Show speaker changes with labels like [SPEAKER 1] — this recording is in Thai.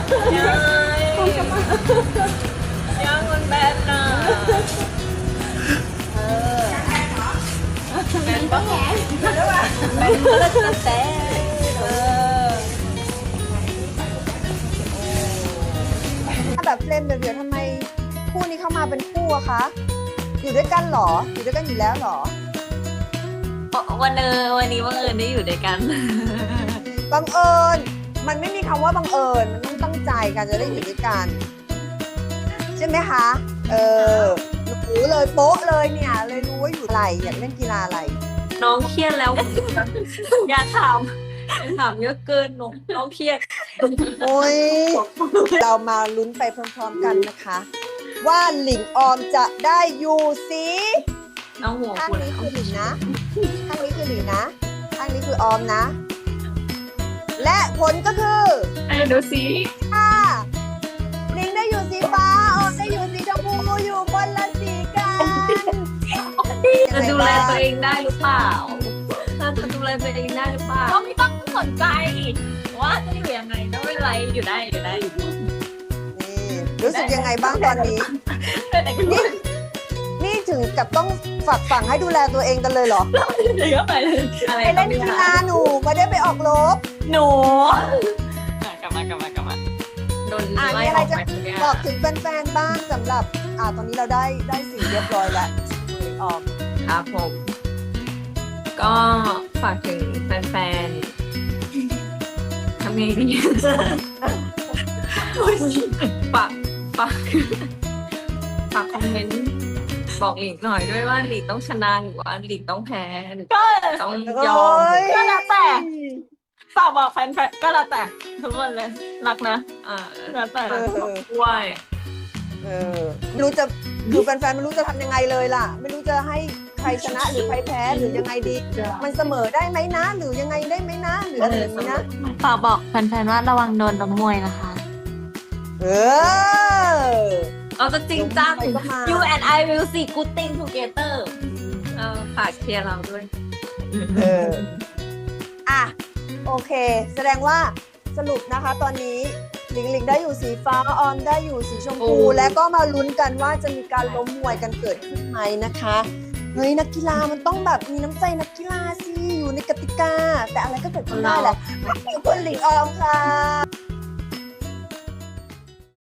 [SPEAKER 1] ยังมันแบนน่ะแบนปะแบนก็แล้วแต่
[SPEAKER 2] แบบเฟรมเดียวๆทำไมคู่นี้เข้ามาเป็นคู่อะคะ อยู่ด้วยกันเหรอ อยู่ด้วยกันอยู่แล้วเหรอ
[SPEAKER 1] วันนี้บังเอิญได้อยู่ด้วยกัน
[SPEAKER 2] บังเอิญ มันไม่มีคำว่าบังเอิญ มันต้องตั้งใจกันจะได้อยู่ด้วยกัน ใช่ไหมคะ รู้เลยโป๊ะเลยเนี่ย เลยรู้ว่าอยู่อะไร อยากเล่นกีฬาอะไร
[SPEAKER 1] น้องเครียดแล้ว อย่าถามเยอะเกินน้องเครียด
[SPEAKER 2] โอ้ย เรามาลุ้นไปพร้อมๆกันนะคะ ว่าหลิงออมจะได้อยู่สี
[SPEAKER 1] น้องหัว
[SPEAKER 2] ข้าง
[SPEAKER 1] คุณ
[SPEAKER 2] นี้คือหลิงนะ ข้างนี้คือหลิงนะ ข้างนี้คือออมนะ และผลก็คือ
[SPEAKER 1] ดูสิ
[SPEAKER 2] ค่ะหลิงได้อยู่สีฟ้า ออมได้อยู่สีชมพูอยู่คนละสีกัน
[SPEAKER 1] จะดูแลตัวเองได้หรือเปล่าจะดูแลตัวเองได้หรือเปล่าก็ไม่ต้องสนใจว่าจะอยู่ยังไงก็ไม่เป็นไรอยู่ได้
[SPEAKER 2] นี่รู้สึกยังไงบ้างตอนนี้
[SPEAKER 1] แต่ก็ไม่
[SPEAKER 2] นี่ถึงกับต้องฝากฝังให้ดูแลตัวเองกันเลยเหรอ
[SPEAKER 1] ได้ก็ไปเลยอะไร
[SPEAKER 2] ไปเล่นกีฬาหนูไม่ได้ไปออกรบ
[SPEAKER 1] หนูกลับมาโดน
[SPEAKER 2] มี
[SPEAKER 1] ไล่
[SPEAKER 2] อะ
[SPEAKER 1] อ
[SPEAKER 2] ไร
[SPEAKER 1] อก
[SPEAKER 2] จะ
[SPEAKER 1] ไปทุกอย่าง
[SPEAKER 2] บอกถึงแฟนๆบ้างสำหรับตอนนี้เราได้สีเรียบร้อยแล้วออก
[SPEAKER 1] ครับผมก็ฝากถึงแฟนๆทำไงดีฝากคอมเมนต์บอกหลีกหน่อยด้วยว่าหลีกต้องชนะหรือว่าหลีกต้องแพ้หรือต้องยอม
[SPEAKER 3] ก็แล้วแต่ ฝากบอกแฟนๆก็แล้วแต่ทุกคนเลยรักนะแล้วแต่
[SPEAKER 1] ด้วย
[SPEAKER 2] ไม่รู้จะคือแฟนๆไม่รู้จะทำยังไงเลยล่ะ ไม่รู้จะให้ใครชนะหรือใครแพ้หรือยังไงดี มันเสมอได้ไหมนะ หรือยังไงได้ไหมนะ หรืออะไรอย่างนี้นะ
[SPEAKER 3] ฝากบอกแฟนๆว่าระวังโดนล้มมวยนะคะ
[SPEAKER 2] เออ
[SPEAKER 1] เราจะจริงจัง
[SPEAKER 2] ไปก็มา
[SPEAKER 1] You and I will see good thing together ฝากเชียร์เราด้วย
[SPEAKER 2] อ่ะโอเค แสดงว่าสรุปนะคะตอนนี้หลิงได้อยู่สีฟ้าออมได้อยู่สีชมพู
[SPEAKER 1] โอ้
[SPEAKER 2] และก็มาลุ้นกันว่าจะมีการล้มมวยกันเกิดขึ้นไหมนะคะเฮ้ยนักกีฬามันต้องแบบมีน้ำใจนักกีฬาสิอยู่ในกติกา แต่อะไรก็เกิดขึ้นได้แหละขอบคุณหลิงออมค่ะ